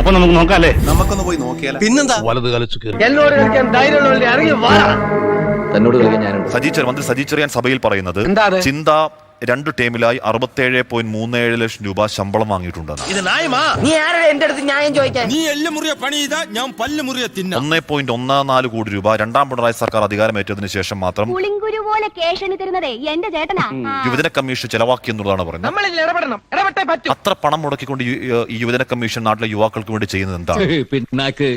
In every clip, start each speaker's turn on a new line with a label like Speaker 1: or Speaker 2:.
Speaker 1: അപ്പൊ നമുക്ക് നോക്കാല്ലേ?
Speaker 2: നമുക്കൊന്ന് പോയി നോക്കിയാലോ?
Speaker 3: പിന്നെന്താ?
Speaker 1: വലത് കളിച്ചു കയറി
Speaker 4: എന്നോട് കളിക്കാൻ ധൈര്യമുള്ളവരുടെ ഇറങ്ങി വാ.
Speaker 5: തന്നോട് കളിക്കാൻ ഞാനുണ്ട്.
Speaker 2: മന്ത്രി സജി ചെറിയാൻ സഭയിൽ പറയുന്നത് ചിന്ത 2 ടീമിലായി 67.37 ലക്ഷം രൂപ ശമ്പളം വാങ്ങിയിട്ടുണ്ടെന്ന്.
Speaker 4: നീ ആരുടെ എന്റെ അടുത്ത് ന്യായം ചോദിക്കാൻ?
Speaker 3: നീ എല്ല് മുറിയ പണി ചെയ്താ ഞാൻ പല്ല് മുറിയ തിന്ന.
Speaker 2: 1.14 കോടി രൂപ രണ്ടാം പിണറായി സർക്കാർ അധികാരമേറ്റതിനു ശേഷം മാത്രം യുവജന കമ്മീഷൻ ചെലവാക്കിയെന്നുള്ളതാണ് പറയുന്നത്. അത്ര പണം മുടക്കിക്കൊണ്ട് ഈ യുവജന കമ്മീഷൻ നാട്ടിലെ യുവാക്കൾക്ക് വേണ്ടി ചെയ്യുന്നത് എന്താണ്?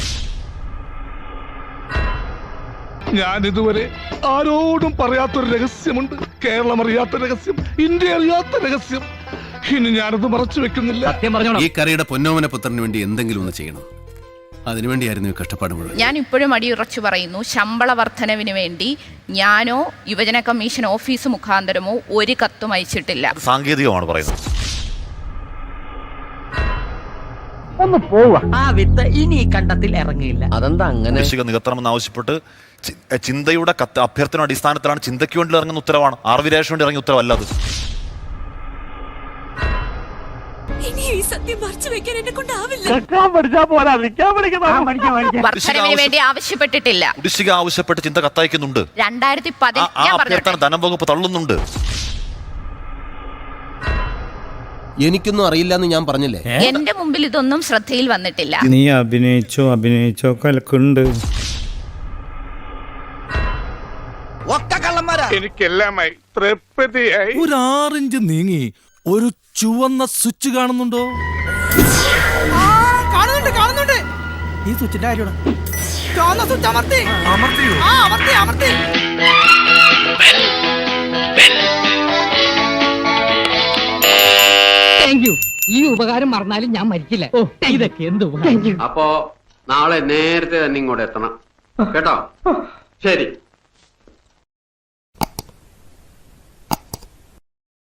Speaker 6: ഞാൻ ഇതുവരെ ആരോടും പറയാത്തൊരു രഹസ്യമുണ്ട്. കേരളം അറിയാത്ത രഹസ്യം, ഇന്ത്യ അറിയാത്ത രഹസ്യം. ഇനി ഞാനത് മറച്ചു വെക്കുന്നില്ല.
Speaker 3: ഈ കറിയുടെ പൊന്നോമന പുത്രന് വേണ്ടി എന്തെങ്കിലും ഒന്ന് ചെയ്യണം. അതിനുവേണ്ടിയായിരുന്നു ഈ കഷ്ടപ്പാട് മുഴുവൻ.
Speaker 7: ഞാൻ ഇപ്പോഴും അടിയുറച്ചു പറയുന്നു, ശമ്പള വർധനവിന് വേണ്ടി ഞാനോ യുവജന കമ്മീഷൻ ഓഫീസ് മുഖാന്തരമോ ഒരു കത്തും അയച്ചിട്ടില്ല.
Speaker 2: സാങ്കേതികമാണ് പറയുന്നത്.
Speaker 4: ഒന്ന് പോവാ. ആ വിത്ത് ഇനി ഈ കണ്ടത്തിൽ ഇറങ്ങിയില്ല.
Speaker 5: അതെന്താ അങ്ങനെ?
Speaker 2: നികത്തണമെന്ന് ആവശ്യപ്പെട്ട് ചിന്തയുടെ അഭ്യർത്ഥന അടിസ്ഥാനത്തിലാണ് ചിന്തയ്ക്ക് വേണ്ടി ഇറങ്ങുന്ന ഉത്തരവാണ്. ആർവിരാശ് വേണ്ടി ഇറങ്ങിയ ഉത്തരവല്ലത്.
Speaker 7: വർധനവിന് വേണ്ടി ആവശ്യപ്പെട്ടിട്ടില്ല.
Speaker 2: കുടിശ്ശിക ആവശ്യപ്പെട്ട് ചിന്ത കത്തയക്കുന്നുണ്ട്.
Speaker 7: 2010
Speaker 2: ധനം വകുപ്പ് തള്ളുന്നുണ്ട്.
Speaker 3: എനിക്കൊന്നും അറിയില്ലെന്ന് ഞാൻ പറഞ്ഞില്ലേ?
Speaker 7: എന്റെ മുമ്പിൽ ഇതൊന്നും ശ്രദ്ധയിൽ വന്നിട്ടില്ല.
Speaker 8: നീ അഭിനയിച്ചോ കലക്കുണ്ട്.
Speaker 6: എനിക്കെല്ലാമായി തൃപ്തിയായി.
Speaker 3: ഒരു 6 ഇഞ്ച് നീങ്ങി ഒരു ചുവന്ന സ്വിച്ച് കാണുന്നുണ്ടോ?
Speaker 4: കാണുന്നുണ്ട്. ഈ സ്വിച്ചിന്റെ കാര്യമാണ്. അമർത്തി. ഈ ഉപകാരം മറന്നാലും ഞാൻ മരിക്കില്ല. ഇതൊക്കെ എന്ത്?
Speaker 9: അപ്പോ നാളെ നേരത്തെ തന്നെ ഇങ്ങോട്ട് എത്തണം കേട്ടോ. ശരി.